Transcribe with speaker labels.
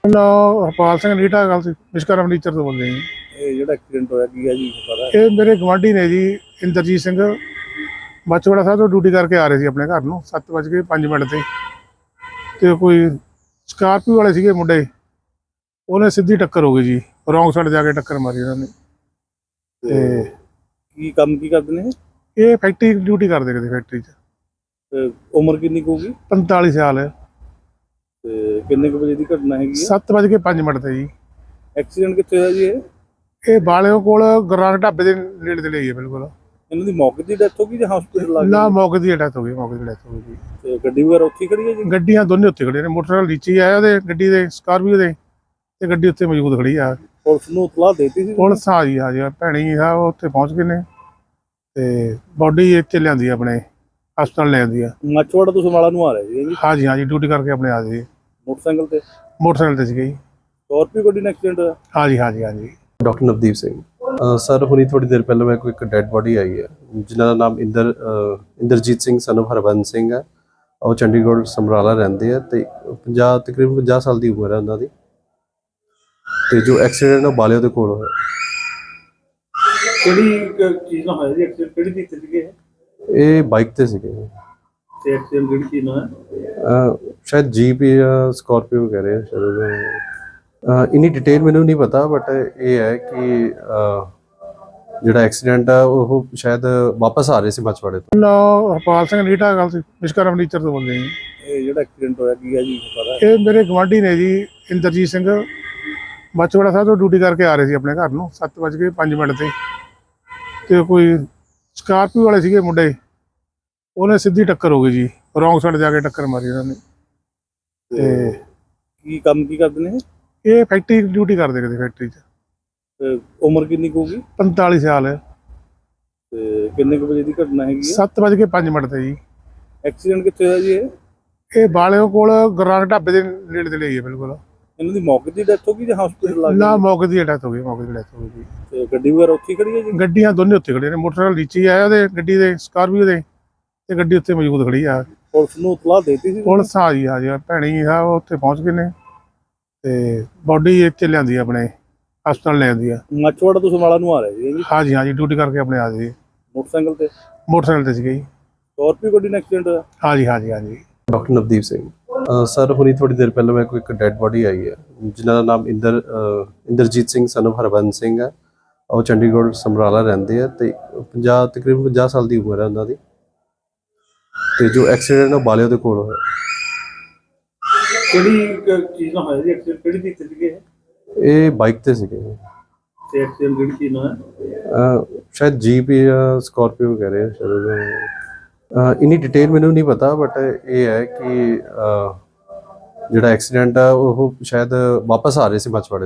Speaker 1: ਨਾ ਹਰਪਾਲ ਸਿੰਘ ਨੀਟਾ ਗੱਲ ਸੀ ਵਿਸ਼ਕਰਮ ਫਰਨੀਚਰ ਤੋਂ ਬੋਲਦੇ ਜੀ।
Speaker 2: ਇਹ ਜਿਹੜਾ ਐਕਸੀਡੈਂਟ ਹੋਇਆ ਕੀ ਹੈ ਜੀ ਪਤਾ?
Speaker 1: ਇਹ ਮੇਰੇ ਗਵਾਂਢੀ ਨੇ ਜੀ, ਇੰਦਰਜੀਤ ਸਿੰਘ ਮਾਛੀਵਾੜਾ ਸਾਹਿਬ ਤੋਂ ਡਿਊਟੀ ਕਰਕੇ ਆ ਰਹੇ ਸੀ ਆਪਣੇ ਘਰ ਨੂੰ 7:05 ਤੇ ਕੋਈ ਸਕਾਰਪੀਓ ਵਾਲੇ ਸੀਗੇ ਮੁੰਡੇ, ਉਹਨੇ ਸਿੱਧੀ ਟੱਕਰ ਹੋ ਗਈ ਜੀ, ਰੌਂਗ ਸਾਈਡ ਜਾ ਕੇ ਟੱਕਰ ਮਾਰੀ ਉਹਨਾਂ ਨੇ। ਤੇ
Speaker 2: ਕੀ ਕੰਮ ਕੀ ਕਰਦੇ ਨੇ
Speaker 1: ਇਹ ਫੈਕਟਰੀ ਡਿਊਟੀ ਕਰਦੇ ਕਿਤੇ ਫੈਕਟਰੀ 'ਚ।
Speaker 2: ਤੇ ਉਮਰ ਕਿੰਨੀ ਕੁ ਹੋਊਗੀ
Speaker 1: 45 ਸਾਲ ਹੈ।
Speaker 2: ਤੇ ਕਿੰਨੇ ਕੁ ਵਜੇ ਦੀ ਘਟਨਾ ਹੈਗੀ ਹੈ?
Speaker 1: 7:05 ਤੇ ਜੀ।
Speaker 2: ਐਕਸੀਡੈਂਟ ਕਿੱਥੇ ਹੋਇਆ ਜੀ
Speaker 1: ਇਹ ਬਾਲਿਓ ਕੋਲ ਗੁਰਨਾਨਕ ਢਾਬੇ ਦੇ ਨੇੜੇ ਤੇ ਲਈ ਹੈ ਬਿਲਕੁਲ।
Speaker 2: ਇਹਨਾਂ ਦੀ ਮੌਕੇ ਦੀ ਡੈਥ ਹੋ ਗਈ ਜਾਂ ਹਸਪੀਟਲ ਲੱਗ
Speaker 1: ਨਾ
Speaker 2: ਗਈ?
Speaker 1: ਮੌਕੇ ਦੀ ਡੈਥ ਹੋ ਗਈ, ਮੌਕੇ ਦੀ ਡੈਥ ਹੋ ਗਈ ਜੀ।
Speaker 2: ਤੇ ਗੱਡੀ ਵਗੈਰਾ ਉੱਥੇ ਹੀ ਖੜੀ ਹੈ ਜੀ?
Speaker 1: ਗੱਡੀਆਂ ਦੋਨੇ ਉੱਥੇ ਖੜੀਆਂ ਨੇ, ਮੋਟਰਸਾਈਕਲ ਨੀਚੇ ਆਇਆ ਉਹਦੇ ਗੱਡੀ ਦੇ ਸਕਾਰਪੀਓ ਦੇ, ਤੇ ਗੱਡੀ ਉੱਥੇ ਮੌਜੂਦ ਖੜੀ ਆ।
Speaker 2: ਪੁਲਿਸ ਨੂੰ ਇਤਲਾਹ ਦੇਤੀ ਸੀ?
Speaker 1: ਪੁਲਿਸ ਆ ਜੀ, ਭੈਣੀ ਆ ਉਹ ਉੱਥੇ ਪਹੁੰਚ ਗਏ ਨੇ ਤੇ ਬੋਡੀ ਇੱਥੇ ਲਿਆਂਦੀ ਆਪਣੇ ਹਸਪਤਾਲ ਲਿਆਂਦੀ ਆ।
Speaker 2: ਮਾਛੀਵਾੜਾ ਤੋਂ ਸਮਾਲਾ ਨੂੰ ਆ ਰਹੇ ਸੀ ਜੀ?
Speaker 1: ਹਾਂਜੀ ਡਿਊਟੀ ਕਰਕੇ ਆਪਣੇ ਆ ਗਏ।
Speaker 2: ਮੋਟਰਸਾਈਕਲ ਤੇ?
Speaker 1: ਮੋਟਰਸਾਈਕਲ ਤੇ ਸੀਗੇ ਜੀ।
Speaker 2: ਸਕਾਰਪੀਓ ਗੱਡੀ ਨਾਲ ਐਕਸੀਡੈਂਟ ਹੋਇਆ?
Speaker 1: ਹਾਂਜੀ।
Speaker 3: ਡਾਕਟਰ ਨਵਦੀਪ ਸਿੰਘ ਸਰ, ਹੁਣੀ ਥੋੜੀ ਦੇਰ ਪਹਿਲਾਂ ਮੇਰੇ ਕੋਲ ਇੱਕ ਡੈੱਡ ਬੋਡੀ ਆਈ ਹੈ ਜਿਨ੍ਹਾਂ ਦਾ ਨਾਮ ਇੰਦਰਜੀਤ ਸਿੰਘ son of ਹਰਬੰਸ ਸਿੰਘ ਹੈ। ਉਹ ਚੰਡੀਗੜ੍ਹ ਸਮਰਾਲਾ ਰਹਿੰਦੇ ਆ ਤੇ ਤਕਰੀਬਨ 50 ਸਾਲ ਦੀ ਉਮਰ ਹੈ ਉਹਨਾਂ ਦੀ। ਤੇ ਜੋ ਐਕਸੀਡੈਂਟ ਉਹ ਬਾਲਿਓ ਦੇ ਕੋਲ ਹੋਇਆ।
Speaker 2: ਕਿਹੜੀ ਚੀਜ਼ ਨਾਲ ਹੋਇਆ ਜੀ ਐਕਸੀਡੈਂਟ? ਕਿਹੜੀ ਚੀਜ਼ ਤੇ ਸੀਗੇ
Speaker 3: ਇਹ ਬਾਈਕ ਤੇ ਸੀਗੇ।
Speaker 2: ਤੇ ਐਕਸੀਡੈਂਟ ਕਿਹੜੀ ਚੀਜ਼ ਨਾਲ ਹੈ?
Speaker 3: ਸ਼ਾਇਦ ਜੀਪ ਜਾਂ ਸਕਾਰਪੀਓ ਕਹਿ ਰਹੇ ਆ ਸ਼ਾਇਦ। ਇੰਨੀ ਡਿਟੇਲ ਮੈਨੂੰ ਨਹੀਂ ਪਤਾ, ਬਟ ਇਹ ਹੈ ਕਿ ਜਿਹੜਾ ਐਕਸੀਡੈਂਟ ਆ ਉਹ ਸ਼ਾਇਦ ਵਾਪਸ ਆ ਰਹੇ ਸੀ ਮਾਛੀਵਾੜੇ ਤੋਂ।
Speaker 1: ਨਾ ਹਰਪਾਲ ਸਿੰਘ ਨੀਟਾ ਗੱਲ ਸੀ ਵਿਸ਼ਕਰਮ ਫਰਨੀਚਰ ਤੋਂ ਬੋਲਦੇ ਜੀ।
Speaker 2: ਇਹ ਜਿਹੜਾ ਐਕਸੀਡੈਂਟ ਹੋਇਆ ਕੀ ਹੈ ਜੀ ਪਤਾ?
Speaker 1: ਇਹ ਮੇਰੇ ਗਵਾਂਢੀ ਨੇ ਜੀ, ਇੰਦਰਜੀਤ ਸਿੰਘ ਮਾਛੀਵਾੜਾ ਸਾਹਿਬ ਤੋਂ ਡਿਊਟੀ ਕਰਕੇ ਆ ਰਹੇ ਸੀ ਆਪਣੇ ਘਰ ਨੂੰ 7:05 ਤੇ ਕੋਈ ਸਕਾਰਪੀਓ ਵਾਲੇ ਸੀਗੇ ਮੁੰਡੇ, ਉਹਨੇ ਸਿੱਧੀ ਟੱਕਰ ਹੋ ਗਈ ਜੀ, ਰੌਂਗ ਸਾਈਡ ਜਾ ਕੇ ਟੱਕਰ ਮਾਰੀ ਉਹਨਾਂ ਨੇ। ਤੇ
Speaker 2: ਕੀ ਕੰਮ ਕੀ ਕਰਦੇ ਨੇ
Speaker 1: ਇਹ ਫੈਕਟਰੀ ਡਿਊਟੀ ਕਰਦੇ ਕਿਤੇ ਫੈਕਟਰੀ 'ਚ।
Speaker 2: ਤੇ ਉਮਰ ਕਿੰਨੀ ਕੁ ਹੋਊਗੀ?
Speaker 1: 45 ਸਾਲ ਹੈ।
Speaker 2: ਤੇ ਕਿੰਨੇ ਕੁ ਵਜੇ ਦੀ ਘਟਨਾ ਹੈਗੀ ਹੈ?
Speaker 1: 7:05 ਤੇ ਜੀ।
Speaker 2: ਐਕਸੀਡੈਂਟ ਕਿੱਥੇ ਹੋਇਆ ਜੀ
Speaker 1: ਇਹ ਬਾਲਿਓ ਕੋਲ ਗੁਰਨਾਨਕ ਢਾਬੇ ਦੇ ਨੇੜੇ ਤੇ ਲਈ ਹੈ ਬਿਲਕੁਲ।
Speaker 2: ਇਹਨਾਂ ਦੀ ਮੌਕੇ ਦੀ ਡੈਥ ਹੋ ਗਈ ਜਾਂ ਹਸਪੀਟਲ ਲੱਗ
Speaker 1: ਨਾ
Speaker 2: ਗਈ?
Speaker 1: ਮੌਕੇ ਦੀ ਡੈਥ ਹੋ ਗਈ, ਮੌਕੇ ਦੀ ਡੈਥ ਹੋ ਗਈ।
Speaker 2: ਤੇ ਗੱਡੀ ਵਗੈਰਾ ਉੱਥੇ ਹੀ ਖੜੀ ਹੈ ਜੀ?
Speaker 1: ਗੱਡੀਆਂ ਦੋਨੇ ਉੱਥੇ ਖੜੀਆਂ ਨੇ, ਮੋਟਰਸਾਈਕਲ ਨੀਚੇ ਆਇਆ ਉਹਦੇ ਗੱਡੀ ਦੇ ਸਕਾਰਪੀਓ ਦੇ, ਤੇ ਗੱਡੀ ਉੱਥੇ ਮੌਜੂਦ ਖੜੀ ਆ।
Speaker 2: ਪੁਲਿਸ ਨੂੰ ਇਤਲਾਹ ਦੇਤੀ ਸੀ?
Speaker 1: ਪੁਲਿਸ ਆ ਜੀ, ਭੈਣੀ ਆ ਉਹ ਉੱਥੇ ਪਹੁੰਚ ਗਏ ਨੇ ਤੇ ਬੋਡੀ ਇੱਥੇ ਲਿਆਂਦੀ ਆਪਣੇ ਹਸਪਤਾਲ ਲਿਆਂਦੀ ਆ।
Speaker 2: ਮਾਛੀਵਾੜਾ ਤੋਂ ਸਮਾਲਾ ਨੂੰ ਆ ਰਹੇ ਸੀ ਜੀ?
Speaker 1: ਹਾਂਜੀ ਡਿਊਟੀ ਕਰਕੇ ਆਪਣੇ ਆ ਗਏ।
Speaker 2: ਮੋਟਰਸਾਈਕਲ ਤੇ?
Speaker 1: ਮੋਟਰਸਾਈਕਲ ਤੇ ਸੀਗੇ ਜੀ।
Speaker 2: ਸਕਾਰਪੀਓ ਗੱਡੀ ਨਾਲ ਐਕਸੀਡੈਂਟ ਹੋਇਆ?
Speaker 1: ਹਾਂਜੀ।
Speaker 3: ਡਾਕਟਰ ਨਵਦੀਪ ਸਿੰਘ ਸਰ, ਹੁਣੀ ਥੋੜੀ ਦੇਰ ਪਹਿਲਾਂ ਮੇਰੇ ਕੋਲ ਇੱਕ ਡੈੱਡ ਬੋਡੀ ਆਈ ਹੈ ਜਿਨ੍ਹਾਂ ਦਾ ਨਾਮ ਇੰਦਰਜੀਤ ਸਿੰਘ son of ਹਰਬੰਸ ਸਿੰਘ ਹੈ। ਉਹ ਚੰਡੀਗੜ੍ਹ ਸਮਰਾਲਾ ਰਹਿੰਦੇ ਆ ਤੇ ਤਕਰੀਬਨ 50 ਸਾਲ ਦੀ ਉਮਰ ਹੈ ਉਹਨਾਂ ਦੀ। ਤੇ ਜੋ ਐਕਸੀਡੈਂਟ ਉਹ ਬਾਲਿਓ ਦੇ ਕੋਲ ਹੋਇਆ।
Speaker 2: ਕਿਹੜੀ ਚੀਜ਼ ਨਾਲ ਹੋਇਆ ਜੀ ਐਕਸੀਡੈਂਟ? ਕਿਹੜੀ ਚੀਜ਼ ਤੇ ਸੀਗੇ
Speaker 3: ਇਹ ਬਾਈਕ ਤੇ ਸੀਗੇ।
Speaker 2: ਤੇ ਐਕਸੀਡੈਂਟ ਕਿਹੜੀ ਚੀਜ਼ ਨਾਲ ਹੈ?
Speaker 3: ਸ਼ਾਇਦ ਜੀਪ ਜਾਂ ਸਕਾਰਪੀਓ ਕਹਿ ਰਹੇ ਆ ਸ਼ਾਇਦ। ਇੰਨੀ ਡਿਟੇਲ ਮੈਨੂੰ ਨਹੀਂ ਪਤਾ, ਬਟ ਇਹ ਹੈ ਕਿ ਜਿਹੜਾ ਐਕਸੀਡੈਂਟ ਆ ਉਹ ਸ਼ਾਇਦ ਵਾਪਸ ਆ ਰਹੇ ਸੀ ਮਾਛੀਵਾੜੇ ਤੋਂ।